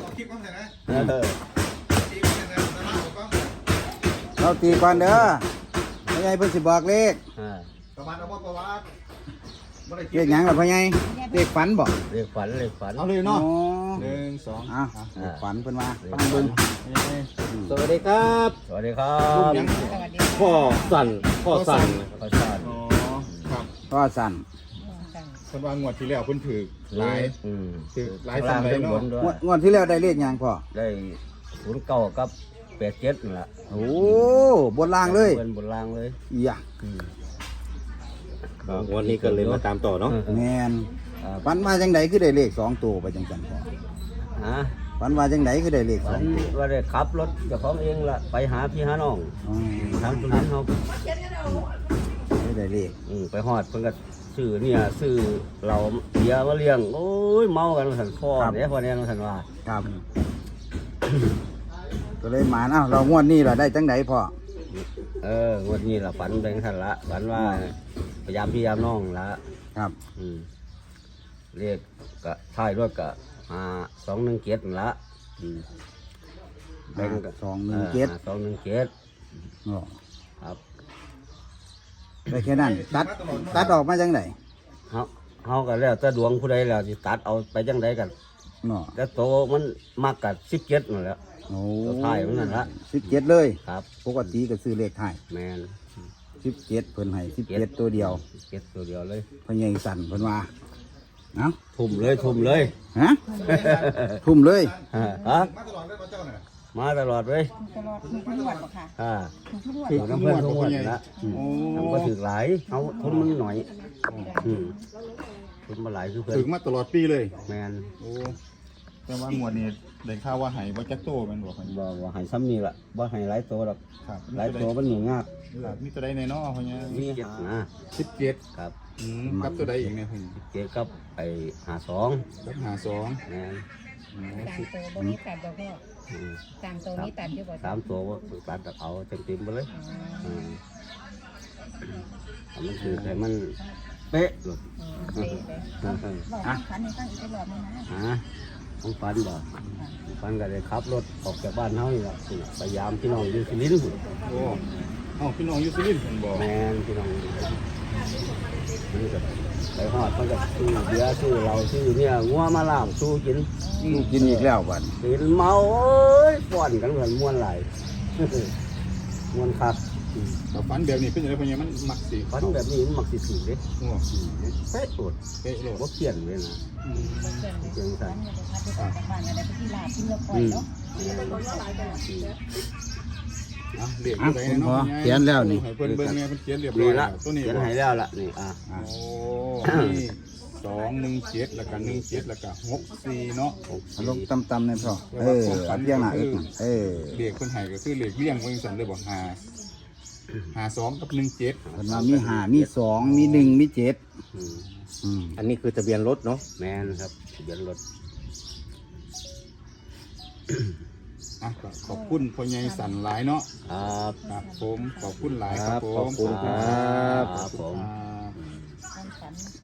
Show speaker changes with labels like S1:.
S1: ออกคลิปบ้างเลยนะ
S2: เราตีก่อนเด้อพ่อใหญ่เพิ่นสิบอกเลข
S1: ประวัติเอาบ่ประวัติ
S2: เลขหยังล่ะพ่อใหญ่เลขฝันบ่
S3: เรียกฝัน
S1: เอาเลย
S2: อ๋
S1: เนาะ
S2: อ
S1: 1 2
S2: อ้าวเลขฝันเพิ่นว่าฟังเบิ่ง
S4: สวัสดีครับ
S3: สวัสดีครับ
S4: พ่อสั่นพ่อสั่น
S3: ขอชาติ
S1: อ๋อครับ
S2: ก็สั่น
S1: เพิ่นว่างวดที่แล้วเพิ่นถือหลาย ถือหลาย
S3: ล่าง
S1: สำใด
S3: ทั้ง
S1: เนาะ
S3: บนด้วย
S2: งวดที่แล้วได้เลขหยังพ่อ
S3: ได้09กับ87นั่นล่ะ
S2: โอ้บนล่างเลย
S3: เป็นบนล่างเลย
S2: อีหยะ
S4: วันนี้ก็เลยมาตามต่อเนาะ
S2: แม่นฝันว่าจังไดคือได้เลข2ตัวไปจังซั่นพ่อ
S3: ฮะ
S2: ฝันว่าจังไดคือได้เลข
S3: ฝัน
S2: 2ตัว
S3: ว่าได้ขับรถเจ้าของเองล่ะไปหาพี่หาน้อง
S2: อ๋อ
S3: ทางตุลินเขา
S2: ได้เลข
S3: ไปฮอดเพิ่นก็ซื้อเนี่ยซื้อเราเบียร์มาเลี้ยงโอ้ยเมากันสันคอเนี่ยพอเนี่ยสันว่า
S2: ครับ ก็เลยหมานเอ้าเรางวดนี้ล่ะได้จังไดพ่อ
S3: วันนี้ล่ะฝันแบงทันละฝันว่าพยายามพี่ยามน้องละ
S2: ครับ
S3: เรียกกะท้ายรถกะ217นั่นละแบงกะ
S2: 217
S3: 217
S2: อ๋อ
S3: ครับ
S2: ได้แค่นั้นตัดออกมาจังได
S3: เฮาก็แล้วแต่ดวงผู้ใดแล้วสิตัดเอาไปจังไดกัน
S2: เนาะ
S3: แต่โตมันมักกับ17นั่นแหละ
S2: โอ้
S3: ตัวท้ายมันนั่นละ
S2: 17เลย
S3: ครับ
S2: ปกติก็ซื้อเลขท้าย
S3: แมน
S2: 17เพิ่นให้17ตัวเดียว
S3: 17ตัวเดียวเลย
S2: พ่อใหญ่สั่นเพิ่นว่าเอ้า
S3: ทุ่มเลยทุ่มเลย
S2: ฮะทุ่มเลย
S3: ฮะ
S1: มาตลอดเลยเจ้าน่ะ
S3: มาตลอดเลย
S5: ตลอดทุกงวดบ่ค่ะ
S3: อ่า
S5: ทุกงวด
S1: ถือ
S3: น้ำเพื่อนทุกวันละ
S1: โอ้
S3: ทำก็ถือหลายเอาทุนมันหน่อยทุนมาหลายคือเพื่อน
S1: ถึงมาตลอดปีเลย
S3: แมน
S1: โอ้แต่ว่างวดนี้ได้ข่าวว่าให้บ่จักโตแม่นบ่ครับ
S3: บอกว่าให้ซ้ำนี่ละบ่ให้หลายตัวหรอก
S1: ครับ
S3: หลายตัวมันหนีงาก
S1: มีตัวใดในเนาะพ่อเนี่ย
S3: นี่นะ
S1: 17
S3: ครับ
S1: กับตัวใดอีกเนี่ยเพิ่น
S3: เกี่ยวกับไอ้52
S1: กับ52
S3: แมน
S5: ตามตัวบ่มีตัดบ่พ่อตามตัวนี้ตัดอยู่บ่
S3: 3ตัวตัดเอาเต็มๆไปเลยมันคือแต่มันเป๊ะเลย
S5: เป๊ะเลยบอกคันนี้ตั้งอีกรอบนึงนะ
S3: ต้องฟันบ่ฟันก็เลยขับรถออกจากบ้านเฮานี่ล่ะพยายามพี่น้องอยู่สุรินทร์
S1: โอ้เอ้าพี่น้องอยู่สุรินทร์เพิ่นบอก
S3: แมนพี่น้องมันก็ไปฮอดมันก็ซื้อเบียร์ซื้อเหล้าซื้อเนี่ยงัวมาล่ามสู้กิน
S2: ลูกกินอีกแล้วบัด
S3: กินเมาโอ้ยฟ้อนกันเหมือนม่วนหลาย ม่วนคัก
S1: แต่ฝันแบบนี้เป็นจังได๋พ่อเนี่ยมันมักสิ
S3: ฟันแบบนี้มันมักสิถือเด้
S1: โอ้
S3: เป๊ะโอด
S1: เป๊ะโลด
S3: บ่เปลี่ยนเลยนะ
S5: เพื่อนเลยคันนี้บ่ทันได้บ้านอะไรไปที่ลาที่เราปล่อยเนาะ
S1: อ่ะเรียกตัวใดเนาะ
S2: เขียนแล้วนี่
S1: ให้เพิ่นเบิ่งแม่เพิ่นเขียนเรียบร้อ
S3: นี่
S1: ยแล้
S3: ละ
S1: วตัวนี้
S3: เขียน
S1: บ่
S3: ให้แล้วล่ะนี่
S1: โอ้นี่217แล้วก็17แล้วก็64เนาะ
S2: ลงต่ำๆนี่พ่ออันเพียงหน้าอึกนั่น
S1: เรียกเพิ่นให้ก็คือเรียกเลี้ยงเพิ่นสั่นเลยบ่52กับ17
S2: เพิ่นว่ามี5มี2มี1มี7
S4: อันนี้คือทะเบียนรถเนาะ
S3: แมนครับทะเบียนรถ
S1: อ่ะก็ขอบคุณพ่อใหญ่สันหลายเนาะ
S3: ครับ
S1: ครับผมขอบคุณหลายครับผม
S4: ขอบคุณครับ
S3: ครับผม
S1: ครับ